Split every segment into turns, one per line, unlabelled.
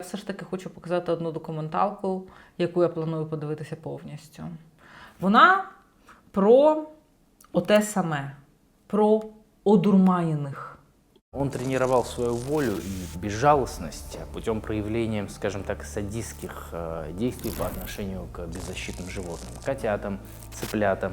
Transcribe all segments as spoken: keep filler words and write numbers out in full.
все ж таки хочу показати одну документалку, яку я планую подивитися повністю. Вона про оте саме, про одурманених.
Он тренировал свою волю и безжалостность путем проявления, скажем так, садистских э, действий по отношению к беззащитным животным, котятам, цыплятам.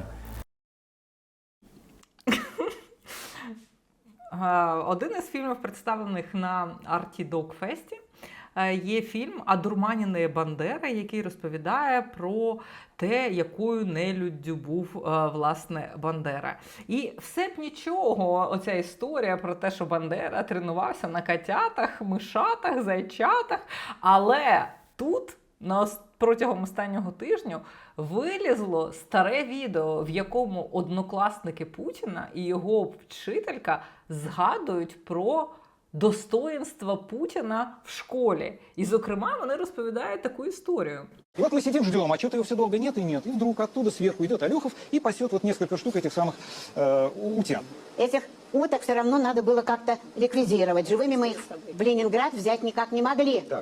Один із фільмів, представлених на Arty Dog Fest, є фільм «Одурманені Бандери», який розповідає про те, якою нелюддю був, власне, Бандера. І все б нічого, оця історія про те, що Бандера тренувався на котятах, мишатах, зайчатах, але тут на протягом останнього тижня вилізло старе відео, в якому однокласники Путіна і його вчителька згадують про достоинство Путина в школе. И, зокрема, вони розповідають таку історію.
И вот мы сидим, ждем, а что-то его все долго нет и нет. И вдруг оттуда сверху идет Алехов и пасет вот несколько штук этих самых э, утят.
Этих уток все равно надо было как-то ликвидировать. Живыми мы их в Ленинград взять никак не могли.
Так.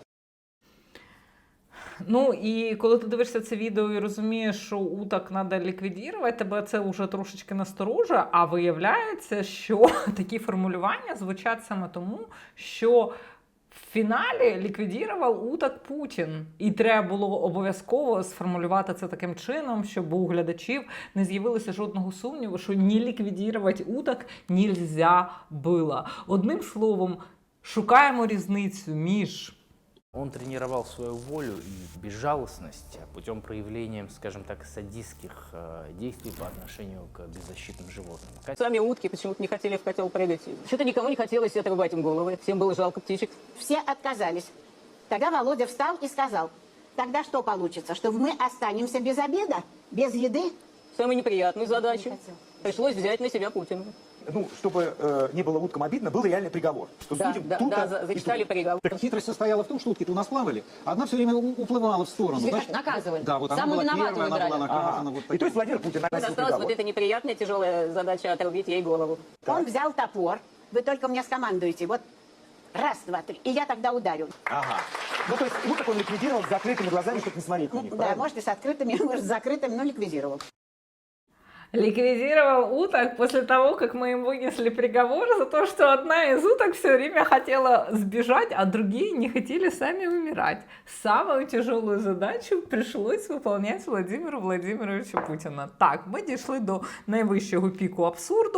Ну, і коли ти дивишся це відео і розумієш, що уток треба ліквідувати, тебе це вже трошечки насторожує, а виявляється, що такі формулювання звучать саме тому, що в фіналі ліквідував уток Путін. І треба було обов'язково сформулювати це таким чином, щоб у глядачів не з'явилося жодного сумніву, що не ліквідувати уток нельзя було. Одним словом, шукаємо різницю між...
Он тренировал свою волю и безжалостность путем проявления, скажем так, садистских э, действий по отношению к беззащитным животным.
Сами утки почему-то не хотели в котел прыгать. Что-то никому не хотелось отрубать им головы. Всем было жалко птичек.
Все отказались. Тогда Володя встал и сказал, тогда что получится, что мы останемся без обеда, без еды?
Самую неприятную задачу пришлось взять на себя Путину.
Ну, чтобы э, не было уткам обидно, был реальный приговор. Что
Да,
судим
да,
тут,
да, за- зачитали приговор.
Так хитрость состояла в том, что утки-то у нас плавали, а одна все время у- уплывала в сторону.
Значит, наказывали.
Да, вот она
Самую
была
виноватую
первая, она была
выбирали.
наказана. Вот и то есть Владимир Путин
Вот
наносил
осталась
приговор.
вот эта неприятная, тяжелая задача отрубить ей голову.
Он взял топор, вы только мне скомандуете, вот раз, два, три, и я тогда ударю.
Ага. Ну, то есть уток он ликвидировал с закрытыми глазами, чтобы не смотреть на них,
Да,
правильно?
может и с открытыми, может с закрытыми, но ликвидировал.
Ликвидировал уток после того, как мы им вынесли приговор за то, что одна из уток все время хотела сбежать, а другие не хотели сами умирать. Самую тяжелую задачу пришлось выполнять Владимиру Владимировичу Путіну. Так, ми дійшли до найвищого піку абсурду.